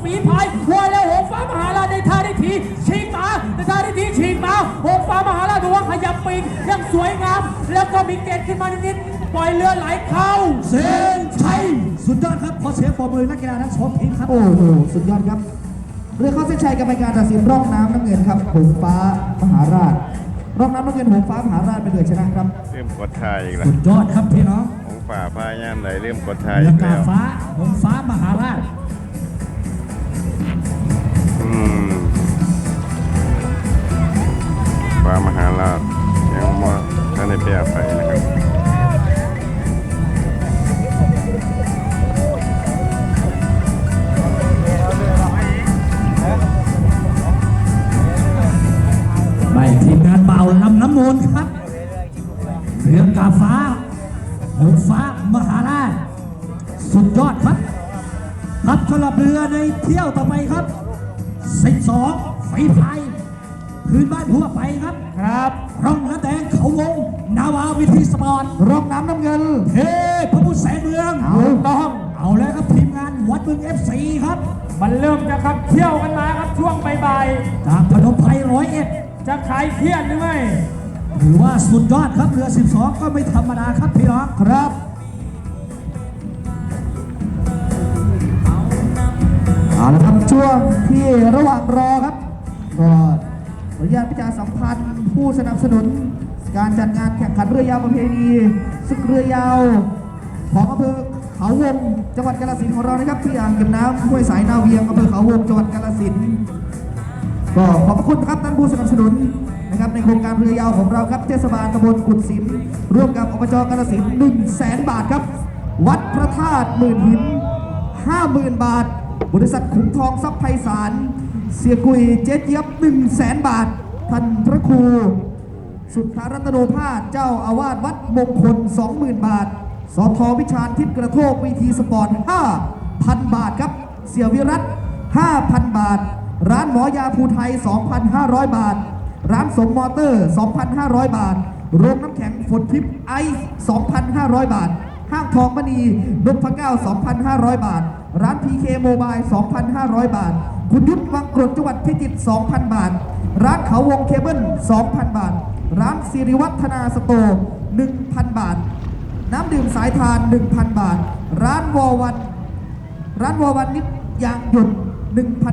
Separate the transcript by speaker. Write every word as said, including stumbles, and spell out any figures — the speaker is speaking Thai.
Speaker 1: ฝีพายหัวแล้วหงฟ้ามหาราชในท่าได้ทีฉีกมาในท่าได้ทีฉีกมาหงฟ้ามหาราชดูว่าขยับปีกยังสวยงามแล้วก็มีเกตขึ้นมานิดๆปล่อยเรือไหลเข้า
Speaker 2: เส้นชัยสุดยอดครับขอเสียงปรบมือนักกีฬาทั้งสองทีมครับ
Speaker 3: โอ้โหสุดยอดครับเรือเข้าเส้นชัยกรรมการตัดสินร่องน้ำน้ำเงินครับหงฟ้ามหาราชร่องน้ำน้ำเงินหงฟ้ามหาราชเป็นเรือชนะครับ
Speaker 4: เริ่มกดทายอีกแล้ว
Speaker 2: สุดยอดครับพี่น้อง
Speaker 4: หงฝ่าพายย่ามไหลเริ่มกดทาย
Speaker 2: เรื
Speaker 4: อี
Speaker 2: อก กา
Speaker 4: แล้ว
Speaker 2: ฟ้าหงฟ้ามหาราช
Speaker 4: อืมฟ้ามหาราชยังมาท่านในเปียไปนะครับ
Speaker 2: ไม่ทีมงานเบาลำน้ำมูลครับเรือกาฟ้าหงฟ้ามหาราชสุดยอดครับครับสำหรับเรือในเที่ยวต่อไปครับสิบสองฝีพายพื้นบ้านทั่วไปครับ
Speaker 1: ครับ
Speaker 2: ร่องน้ำแดงเขาวงนาวาวิธีสปอร์ต
Speaker 3: ร่องน้ำน้ำเงิน
Speaker 2: เฮ้พระพุทธแสนเมือง
Speaker 1: เอาต้อง
Speaker 2: เอาแล้วครับทีมงานวัดเมืองเอฟซีครับ
Speaker 1: มันเริ่มจะขับเที่ยวกันมาครับช่วงบ่าย
Speaker 2: ๆจากพนมไพรร้อยเอ็ด
Speaker 1: จะขายเครียดหรือไม่
Speaker 2: ถือว่าสุดยอดครับเรือสิบสองก็ไม่ธรรมดาครับพี่น้อง
Speaker 3: ครับเอาละครับช่วงที่ระหว่างรอครับก็ขออนุญาตประชาสัมพันธ์ผู้สนับสนุนการจัดงานแข่งขันเรือยาวประเพณีศึกเรือยาวของอำเภอเขาวงจังหวัดกาฬสินธุ์ของเรานะครับที่อ่างเก็บน้ำห้วยสายนาเวียงอำเภอเขาวงจังหวัดกาฬสินธุ์ก็ขอบพระคุณครับท่านผู้สนับสนุนนะครับในโครงการเรือยาวของเราครับเทศบาลตำบลกุดสินร่วมกับอบจกาฬสินธุ์หนึ่งแสนบาทครับวัดพระธาตุหมื่นหินห้าหมื่นบาทบริษัทขุมทองทรัพย์ไพศาลเสียกุยเจ๊เจี๊ยบหนึ่งแสนบาทท่านพระครูสุทธารัตโนภาสเจ้าอาวาสวัดมงคล สองหมื่น บาทสทวิชาญทิพย์กระโทกวีทีสปอร์ต ห้าพัน บาทครับเสี่ยวิรัต ห้าพัน บาทร้านหมอยาภูไทย สองพันห้าร้อย บาทร้านสมมอเตอร์ สองพันห้าร้อย บาทโรงน้ำแข็งฝนทิพย์ไอซ์ สองพันห้าร้อย บาทห้างทองมณีนพเก้า สองพันห้าร้อย บาทร้าน พี เค โมบาย สองพันห้าร้อย บาทคุณยุทธวังกรดจังหวัดพิจิตร สองพัน บาทร้านเขาวงเคเบิล สองพัน บาทร้านสิริวัฒนาสโตร์ หนึ่งพัน บาทน้ำดื่มสายทาน หนึ่งพัน บาทร้านวอวันร้านวอวันนิดยางหยด หนึ่งพัน